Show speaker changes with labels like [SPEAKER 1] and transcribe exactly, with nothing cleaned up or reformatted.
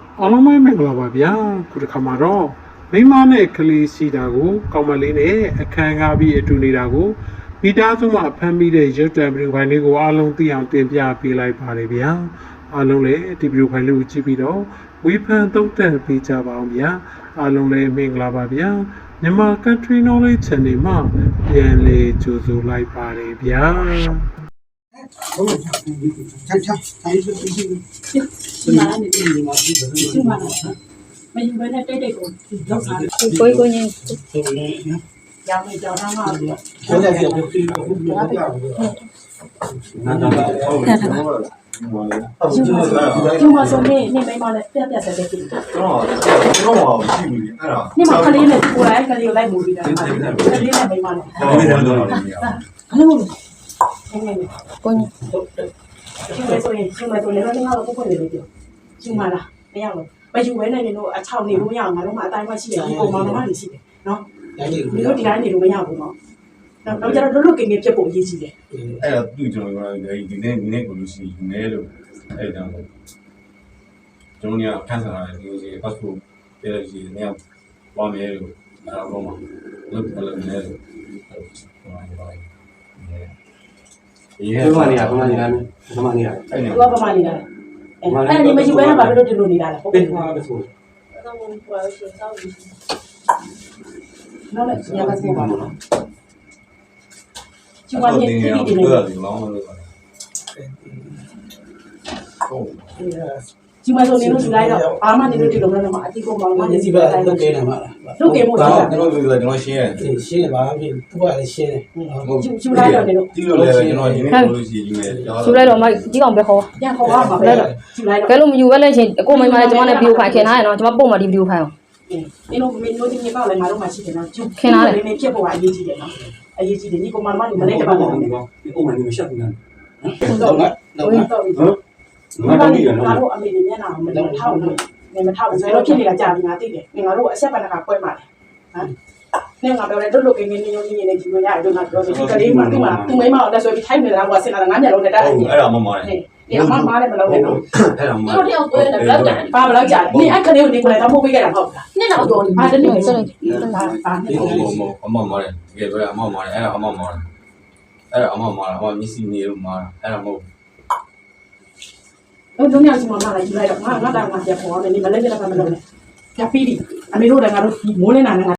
[SPEAKER 1] အားလုံးပဲမင်္ဂလာပါဗျာခုတစ်ခါမှာတော့မိမနဲ့ကလေးရှိတာကိုကောင်းမလေးနဲ့အခန်းကားပြီးအတူနေတာကိုမိသားစုမှာဖမ်းမိတဲ့ရုပ်တံဗီဒီယိုဖိုင်လေးကိုအားလုံးသိအောင်တင်ပြပေးလိုက်ပါတယ်ဗျာအားလုံးလည်းဒီဗီဒီယိုဖိုင်လေးကိုကြည့်ပြီးတော့ဝေဖန်သုံးသပ်ပေးကြပါအောင်ဗျာအားလုံးလည်းမင်္ဂလာပါဗျာမြန်မာ Country Knowledge Channel မှာပြန်လည်ကြိုဆိုလိုက်ပါတယ်ဗျာ
[SPEAKER 2] ဟုတ်ကဲ့ဆက်ချက်တိုင်းစုကြည့်ဒီမှာနေဒီမှာဒီမှာမယူဘဲနဲ့တိတ်တိတ်ကိုလောက်စား
[SPEAKER 3] ကိုကိုင်း
[SPEAKER 2] ရောင်းနေကြောင်းသားမှာပြီးတော့
[SPEAKER 4] ဟုတ်တယ်ဟုတ်တယ်ဟုတ်တယ်နားနားဟုတ်တယ်
[SPEAKER 2] ကျမဆုံးနေနေမိမလည်းပြက်ပြက်တဲ့ကိစ္စ
[SPEAKER 4] တော့တော့ဟောရှိဘူးအဲ့ဒါ
[SPEAKER 2] နေမကလေးနဲ့ကိုယ်တိုင်ကလေးကိုလိုက်မူပြီးတာကလေးနဲ့မိမလည်း
[SPEAKER 4] ဟုတ်တယ်တော့နေရ
[SPEAKER 2] ဘယ်လိုလဲနေနေ
[SPEAKER 3] ကိုင်း
[SPEAKER 2] ကျမဆိုရင်ကျမဆိုလည်းတော့ငါ့ကိုကိုယ်ကိုယ်လေးပြောကျမလားမရဘူးမယူဘဲနဲ့နေတော့အချောင်းနေလို့မရအောင်ငါတို့မှအတိုင်းမှရှိတယ်ဒီပုံမှန်မှနေရှိတယ်နော်ဒီလိုဒီတိုင်းနေလို့မရဘူးနော်တော့ကျတော့လွတ်လွတ်ကင်းကင်းဖြစ်ဖို့အရေးကြီးတယ်
[SPEAKER 4] အဲ့ဒါသူ့ကျွန်တော်ကဒီနေ့ဒီနေ့ကိုလို့ရှိယူနေလို့အဲ့ဒါတော့ကျွန်တော်ကခန်းစားရတယ်ဒီလိုစီ passport ပြည့်စီနေရာပါမယ်လို့အဲ့ဒါတော့မှလုပ်တယ်လည်းနေလို့ဟုတ်ပါတယ်ဒီဟဲ့
[SPEAKER 5] ဘာမှနေရဘာမှနေရဘာမှနေရ
[SPEAKER 2] အဲ့ဒါဘာမှနေတာအဲ့ဒီမယူဘဲနဲ့ဘာလို့ဒီလိုနေတာလဲဟုတ်ကဲ့
[SPEAKER 5] ဘာပဲဆို
[SPEAKER 2] တော့ဘယ်လိုရှင်းတော့နော်လေညကစေးပါမလားကျမနေတိတိနေ
[SPEAKER 4] တယ်လောင်းလို့ဟုတ်
[SPEAKER 2] ကျမဆိုနေလို့ယူလိုက်တော့အာမနေလို့ဒီလိုမျိုးတော့အတိကိုမောင်မနေစီပဲ
[SPEAKER 5] လုတ်ကဲနေမှာလား
[SPEAKER 2] လုတ်ကဲမို့
[SPEAKER 4] ကျွန်တော်ပြောကျွန်တော်ရှင်းရတယ်
[SPEAKER 5] ရှင်းတယ်ဘာဖြစ်သူကလည်းရှင်းတယ်
[SPEAKER 2] ယူလိုက်တော့နေလို့
[SPEAKER 4] ဒီလိုလည်းကျွန်တော်ဒီနေ့ကိုလို့ရှိယူနေ
[SPEAKER 3] ယူလိုက်တော့မကြီးကောင်ပဲခေါ်
[SPEAKER 2] ပြန်ခေါ်ပါမှာပဲယူလိုက်တော့
[SPEAKER 3] ကဲလို့မယူပဲလဲချင်းကိုမိမလည်းကျွန်မနဲ့ဗီဒီယိုဖိုင်ခင်ထားရနော်ကျွန်မပုံမှာဒီဗီဒီယိုဖိုင်အောင်
[SPEAKER 2] ဒီလိုမင်းတို့ဒီနေ့ပေါ့လေငါတို့မှရှိတယ်နော်ခင်ထားတယ်နေဖြစ်ဖို့ကအရေးကြီးတယ်နော်အရေးကြီးတယ်ဒီကောင်မမမလေးတပါတော့
[SPEAKER 5] ဒီအုံးမနေမရှက်ဘူးနော်တော့ငါတော့ငါတော့
[SPEAKER 2] ငါတို့ဒီငါတို့အမေမျက်နှာကိုမထောက်ဘူးနေမထောက်ဘူးဆိုတော့ဖြစ်နေတာကြာပြီငါသိတယ်ငါတို့အဆက်ပန်ကကွဲမှာတယ်ဟမ်နေငါပြောတယ်တို့လိုကင်းနေနေနေနေကြည့်လို့ရတယ်တို့ငါပြောဆိုဒီကလေးမှသူ့မှာသူ့မိမအောင်တက်ဆိုပြီးထိုက်နေတာကဆင်လာတာငါညလုံးနဲ့တက်တယ်
[SPEAKER 4] အဲ့ဒါမမတယ်
[SPEAKER 2] ဒီအမမားလည်းမလုပ်နဲ့နော်
[SPEAKER 4] အဲ့ဒါမမ
[SPEAKER 2] တို့တယောက်ကိုလည်းဘလောက်ကြာဘာဘလောက်ကြာနေအဲ့ကလေးကိုနေကိုလည်းတော့ပို့ပေးခဲ့တာဟုတ်လားနှစ်လောက်တော့ဘာတနည်းဆိုတော့ဘာဘာနေ
[SPEAKER 4] ဟုတ်ဟုတ်အမမားတယ်တကယ်ပဲအမမားတယ်အဲ့ဒါအမမားတယ်အဲ့ဒါအမမားတယ်အမမျက်စိနေလို့မားတယ်အဲ့ဒါမဟုတ်
[SPEAKER 2] အဲ့တို့ညစီမမလာယူလိုက်တော့ငါငါတာငါပြန်ပေါ်အောင်နေမလဲကြတာမလုပ်နဲ့ပြပြီးပြီအမေတို့လည်းငါတို့မိုးလင်းတာနဲ့